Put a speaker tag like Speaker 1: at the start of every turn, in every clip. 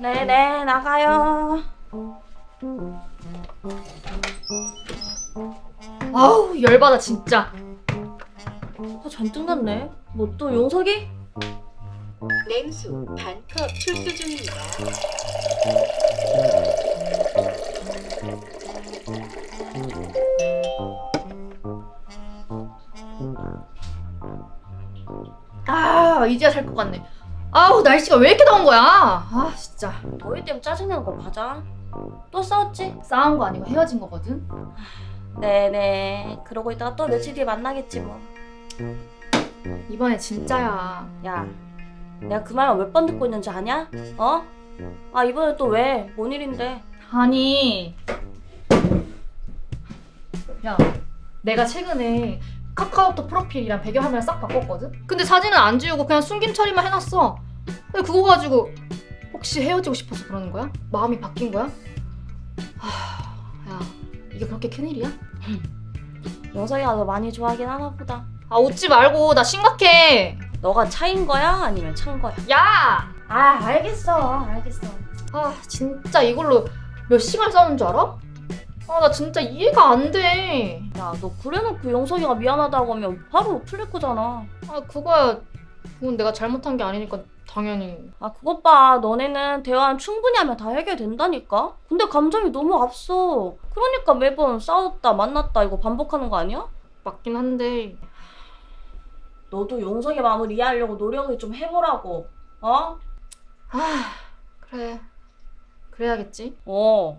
Speaker 1: 네네, 나가요.
Speaker 2: 아우 열받아 진짜.
Speaker 1: 잔뜩 났네. 뭐 또 용석이?
Speaker 3: 냉수 반컵 출수 중입니다.
Speaker 2: 아 이제야 살 것 같네. 아우 날씨가 왜 이렇게 더운 거야? 아 진짜.
Speaker 1: 너희 때문에 짜증나는 거 맞아. 또 싸웠지?
Speaker 2: 싸운 거 아니고 헤어진 거거든.
Speaker 1: 네네. 그러고 있다가 또 며칠 뒤에 만나겠지 뭐.
Speaker 2: 이번에 진짜야.
Speaker 1: 야, 내가 그 말만 몇 번 듣고 있는지 아냐? 어? 아, 이번에 또 왜? 뭔 일인데?
Speaker 2: 아니 야 내가 최근에 카카오톡 프로필이랑 배경화면을 싹 바꿨거든? 근데 사진은 안 지우고 그냥 숨김 처리만 해놨어. 근데 그거 가지고 혹시 헤어지고 싶어서 그러는 거야? 마음이 바뀐 거야? 야 이게 그렇게 큰일이야?
Speaker 1: 용석이가 너 많이 좋아하긴 하나 보다.
Speaker 2: 아 웃지 말고 나 심각해.
Speaker 1: 너가 차인 거야? 아니면 찬 거야?
Speaker 2: 야!
Speaker 1: 아, 알겠어.
Speaker 2: 아 진짜 이걸로 몇 시간 싸우는 줄 알아? 아 나 진짜 이해가 안 돼.
Speaker 1: 야, 너 그래놓고 용석이가 미안하다고 하면 바로 풀릴 거잖아.
Speaker 2: 아 그거야. 그건 내가 잘못한 게 아니니까 당연히.
Speaker 1: 아, 그것 봐. 너네는 대화는 충분히 하면 다 해결된다니까? 근데 감정이 너무 앞서. 그러니까 매번 싸웠다 만났다 이거 반복하는 거 아니야?
Speaker 2: 맞긴 한데.
Speaker 1: 너도 용석이 마음을 이해하려고 노력을 좀 해보라고. 어?
Speaker 2: 아 그래. 그래야겠지.
Speaker 1: 어.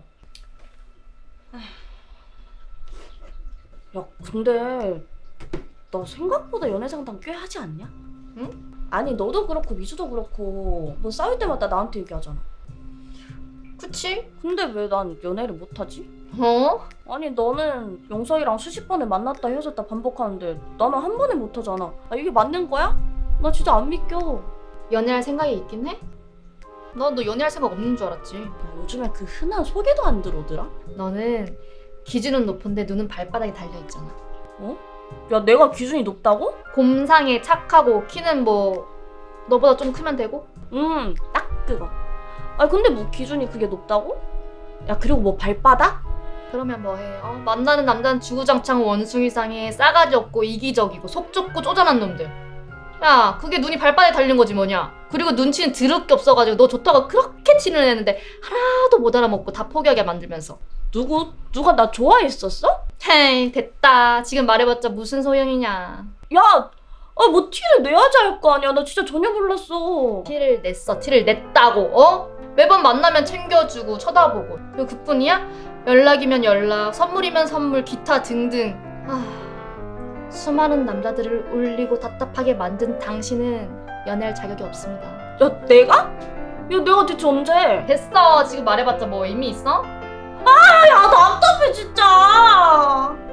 Speaker 1: 야, 근데 너 생각보다 연애 상담 꽤 하지 않냐?
Speaker 2: 응?
Speaker 1: 아니, 너도 그렇고 미주도 그렇고 뭐 싸울 때마다 나한테 얘기하잖아.
Speaker 2: 그치?
Speaker 1: 근데 왜 난 연애를 못하지?
Speaker 2: 어?
Speaker 1: 아니, 너는 용석이랑 수십 번을 만났다 헤어졌다 반복하는데 나는 한 번에 못하잖아. 아, 이게 맞는 거야? 나 진짜 안 믿겨.
Speaker 2: 연애할 생각이 있긴 해? 너 연애할 생각 없는 줄 알았지.
Speaker 1: 야, 요즘에 그 흔한 소개도 안 들어오더라?
Speaker 2: 너는 기준은 높은데 눈은 발바닥에 달려있잖아.
Speaker 1: 야, 내가 기준이 높다고?
Speaker 2: 곰상에 착하고 키는 뭐 너보다 좀 크면 되고?
Speaker 1: 딱 그거. 아, 근데 뭐 기준이 그게 높다고? 야, 그리고 뭐 발바닥?
Speaker 2: 그러면 뭐해? 만나는 남자는 주구장창 원숭이상에 싸가지 없고 이기적이고 속 좁고 쪼잔한 놈들. 야 그게 눈이 발바닥에 달린 거지 뭐냐. 그리고 눈치는 드럽게 없어가지고 너 좋다고 그렇게 티를 내는데 하나도 못 알아먹고 다 포기하게 만들면서.
Speaker 1: 누가 나 좋아했었어?
Speaker 2: 헤이 됐다. 지금 말해봤자 무슨 소용이냐.
Speaker 1: 야, 아, 뭐 티를 내야지 할 거 아니야. 나 진짜 전혀 몰랐어.
Speaker 2: 티를 냈어. 티를 냈다고. 매번 만나면 챙겨주고 쳐다보고. 그리고 그뿐이야? 연락이면 연락, 선물이면 선물, 기타 등등. 수많은 남자들을 울리고 답답하게 만든 당신은 연애할 자격이 없습니다.
Speaker 1: 야, 내가? 야, 내가 대체 언제?
Speaker 2: 됐어. 지금 말해봤자 뭐 의미 있어?
Speaker 1: 야, 답답해 진짜.